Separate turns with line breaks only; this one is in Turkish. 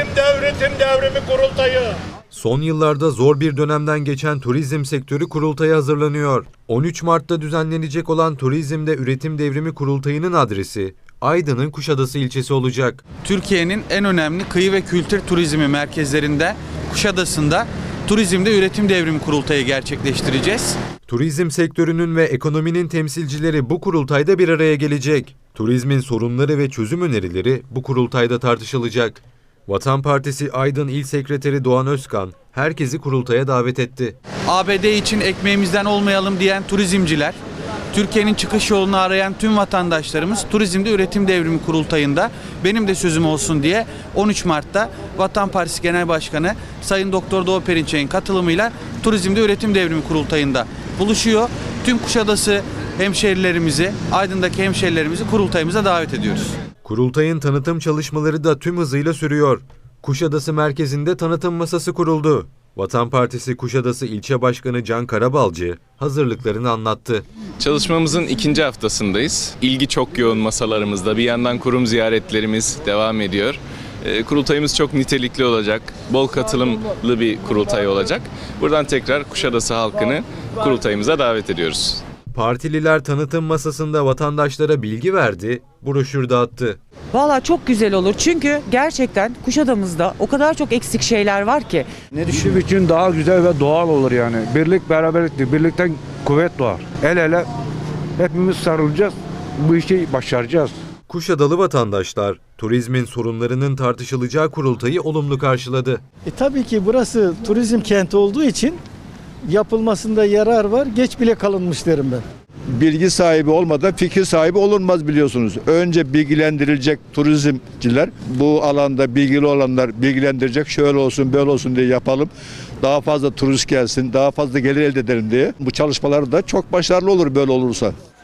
Üretim Devrimi Kurultayı.
Son yıllarda zor bir dönemden geçen turizm sektörü kurultaya hazırlanıyor. 13 Mart'ta düzenlenecek olan Turizmde Üretim Devrimi Kurultayı'nın adresi Aydın'ın Kuşadası ilçesi olacak.
Türkiye'nin en önemli kıyı ve kültür turizmi merkezlerinden Kuşadası'nda Turizmde Üretim Devrimi Kurultayı gerçekleştireceğiz.
Turizm sektörünün ve ekonominin temsilcileri bu kurultayda bir araya gelecek. Turizmin sorunları ve çözüm önerileri bu kurultayda tartışılacak. Vatan Partisi Aydın İl Sekreteri Doğan Özkan herkesi kurultaya davet etti.
ABD için ekmeğimizden olmayalım diyen turizmciler, Türkiye'nin çıkış yolunu arayan tüm vatandaşlarımız Turizmde Üretim Devrimi Kurultayı'nda benim de sözüm olsun diye 13 Mart'ta Vatan Partisi Genel Başkanı Sayın Doktor Doğu Perinçek'in katılımıyla Turizmde Üretim Devrimi Kurultayı'nda buluşuyor. Tüm Kuşadası hemşehrilerimizi, Aydın'daki hemşehrilerimizi kurultayımıza davet ediyoruz.
Kurultayın tanıtım çalışmaları da tüm hızıyla sürüyor. Kuşadası merkezinde tanıtım masası kuruldu. Vatan Partisi Kuşadası İlçe Başkanı Can Karabalcı hazırlıklarını anlattı.
Çalışmamızın ikinci haftasındayız. İlgi çok yoğun masalarımızda. Bir yandan kurum ziyaretlerimiz devam ediyor. Kurultayımız çok nitelikli olacak. Bol katılımlı bir kurultay olacak. Buradan tekrar Kuşadası halkını kurultayımıza davet ediyoruz.
Partililer tanıtım masasında vatandaşlara bilgi verdi, broşür dağıttı.
Valla çok güzel olur çünkü gerçekten Kuşadamızda o kadar çok eksik şeyler var ki.
Nedişim için daha güzel ve doğal olur yani. Birlik beraberliktir. Birlikten kuvvet doğar. El ele hepimiz sarılacağız. Bu işi başaracağız.
Kuşadalı vatandaşlar turizmin sorunlarının tartışılacağı kurultayı olumlu karşıladı.
Tabii ki burası turizm kenti olduğu için yapılmasında yarar var. Geç bile kalınmış derim ben.
Bilgi sahibi olmadan fikir sahibi olunmaz biliyorsunuz. Önce bilgilendirilecek turizmciler, bu alanda bilgili olanlar bilgilendirecek, şöyle olsun böyle olsun diye yapalım. Daha fazla turist gelsin, daha fazla gelir elde edelim diye. Bu çalışmalar da çok başarılı olur böyle olursa.